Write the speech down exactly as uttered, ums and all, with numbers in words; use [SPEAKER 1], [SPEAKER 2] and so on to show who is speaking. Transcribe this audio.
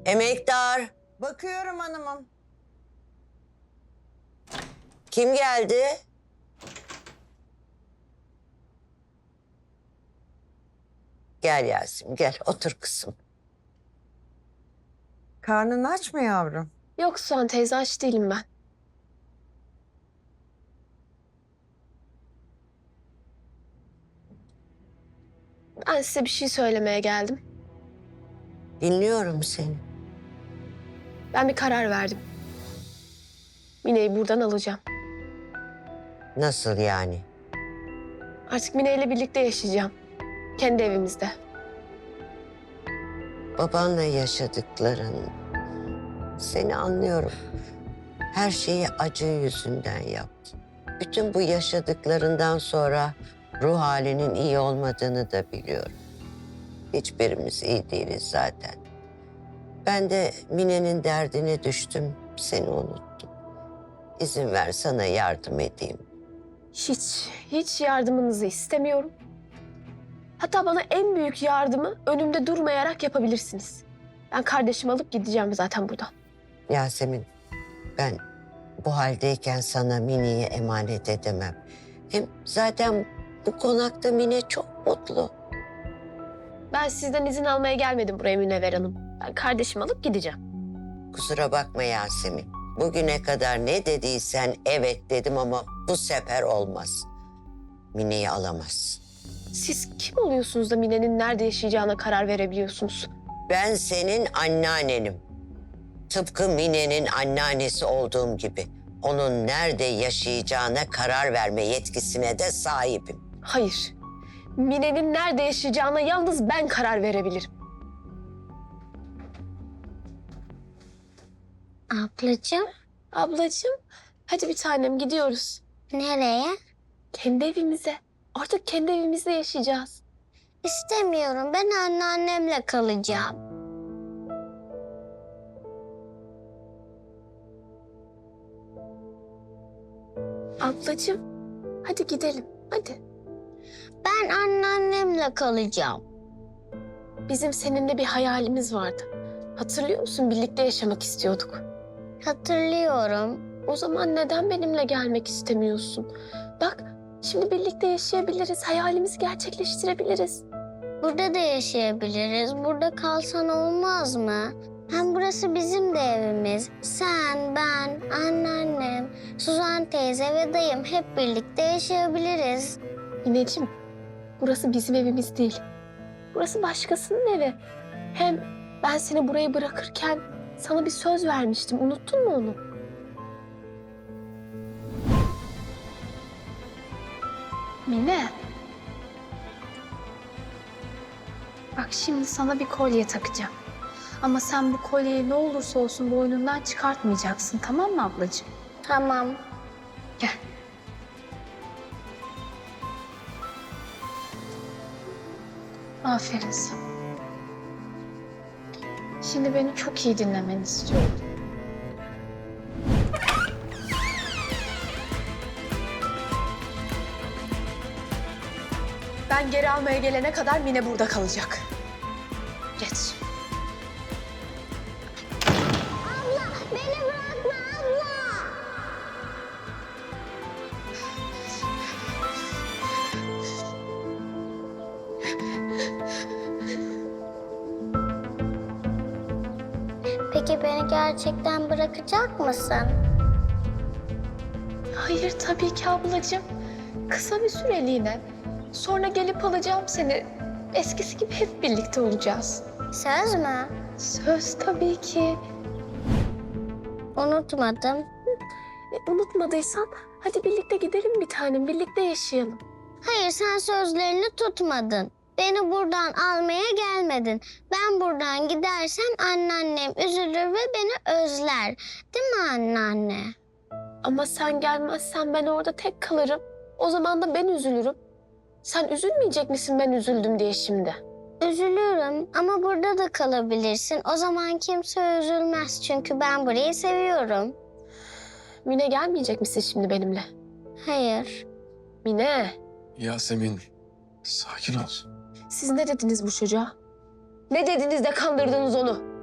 [SPEAKER 1] Emektar.
[SPEAKER 2] Bakıyorum hanımım.
[SPEAKER 1] Kim geldi? Gel Yasemin gel otur kızım.
[SPEAKER 2] Karnın aç mı yavrum?
[SPEAKER 3] Yok Suhan teyze, aç değilim ben. Ben size bir şey söylemeye geldim.
[SPEAKER 1] Dinliyorum seni.
[SPEAKER 3] Ben bir karar verdim. Mine'yi buradan alacağım.
[SPEAKER 1] Nasıl yani?
[SPEAKER 3] Artık Mine ile birlikte yaşayacağım. Kendi evimizde.
[SPEAKER 1] Babanla yaşadıkların. Seni anlıyorum. Her şeyi acı yüzünden yaptın. Bütün bu yaşadıklarından sonra ruh halinin iyi olmadığını da biliyorum. Hiçbirimiz iyi değiliz zaten. Ben de Mine'nin derdine düştüm, seni unuttum. İzin ver sana yardım edeyim.
[SPEAKER 3] Hiç, hiç yardımınızı istemiyorum. Hatta bana en büyük yardımı önümde durmayarak yapabilirsiniz. Ben kardeşimi alıp gideceğim zaten buradan.
[SPEAKER 1] Yasemin, ben bu haldeyken sana Mine'yi emanet edemem. Hem zaten bu konakta Mine çok mutlu.
[SPEAKER 3] Ben sizden izin almaya gelmedim buraya Münevver Hanım. Ben kardeşimi alıp gideceğim.
[SPEAKER 1] Kusura bakma Yasemin. Bugüne kadar ne dediysen evet dedim ama bu sefer olmaz. Mine'yi alamazsın.
[SPEAKER 3] Siz kim oluyorsunuz da Mine'nin nerede yaşayacağına karar verebiliyorsunuz?
[SPEAKER 1] Ben senin anneannenim. Tıpkı Mine'nin anneannesi olduğum gibi. Onun nerede yaşayacağına karar verme yetkisine de sahibim.
[SPEAKER 3] Hayır. Mine'nin nerede yaşayacağına yalnız ben karar verebilirim.
[SPEAKER 4] Ablacığım,
[SPEAKER 3] Ablacığım, hadi bir tanem gidiyoruz.
[SPEAKER 4] nereye?
[SPEAKER 3] Kendi evimize. Artık kendi evimizde yaşayacağız.
[SPEAKER 4] İstemiyorum. Ben anneannemle kalacağım.
[SPEAKER 3] Ablacığım, hadi gidelim. Hadi.
[SPEAKER 4] Ben anneannemle kalacağım.
[SPEAKER 3] Bizim seninle bir hayalimiz vardı. Hatırlıyor musun? Birlikte yaşamak istiyorduk.
[SPEAKER 4] Hatırlıyorum.
[SPEAKER 3] O zaman neden benimle gelmek istemiyorsun? Bak, şimdi birlikte yaşayabiliriz. Hayalimizi gerçekleştirebiliriz.
[SPEAKER 4] Burada da yaşayabiliriz. Burada kalsan olmaz mı? Hem burası bizim de evimiz. Sen, ben, anneannem, Suzan teyze ve dayım hep birlikte yaşayabiliriz.
[SPEAKER 3] Mineciğim, burası bizim evimiz değil. Burası başkasının evi. Hem ben seni buraya bırakırken sana bir söz vermiştim. Unuttun mu onu?
[SPEAKER 5] Mine. Bak şimdi sana bir kolye takacağım. Ama sen bu kolyeyi ne olursa olsun boynundan çıkartmayacaksın, tamam mı ablacığım?
[SPEAKER 4] Tamam.
[SPEAKER 5] Gel. Aferin sana. Şimdi beni çok iyi dinlemeni istiyorum.
[SPEAKER 3] Ben geri almaya gelene kadar Mine burada kalacak. Geç.
[SPEAKER 4] Abla, beni bırakma abla. Peki beni gerçekten bırakacak mısın?
[SPEAKER 3] Hayır tabii ki ablacığım. Kısa bir süreliğine. Sonra gelip alacağım seni. Eskisi gibi hep birlikte olacağız.
[SPEAKER 4] Söz mü?
[SPEAKER 3] Söz tabii ki.
[SPEAKER 4] Unutmadım.
[SPEAKER 3] E, unutmadıysan hadi birlikte gidelim bir tanem. Birlikte yaşayalım.
[SPEAKER 4] Hayır, sen sözlerini tutmadın. Beni buradan almaya gelmedin. Ben buradan gidersem anneannem üzülür ve beni özler. Değil mi anneanne?
[SPEAKER 3] Ama sen gelmezsen ben orada tek kalırım. O zaman da ben üzülürüm. Sen üzülmeyecek misin ben üzüldüm diye şimdi?
[SPEAKER 4] Üzülürüm ama burada da kalabilirsin. O zaman kimse üzülmez çünkü ben burayı seviyorum.
[SPEAKER 3] Mine gelmeyecek misin şimdi benimle?
[SPEAKER 4] Hayır.
[SPEAKER 3] Mine,
[SPEAKER 6] Yasemin, sakin ol.
[SPEAKER 3] siz ne dediniz bu çocuğa? Ne dediniz de kandırdınız onu?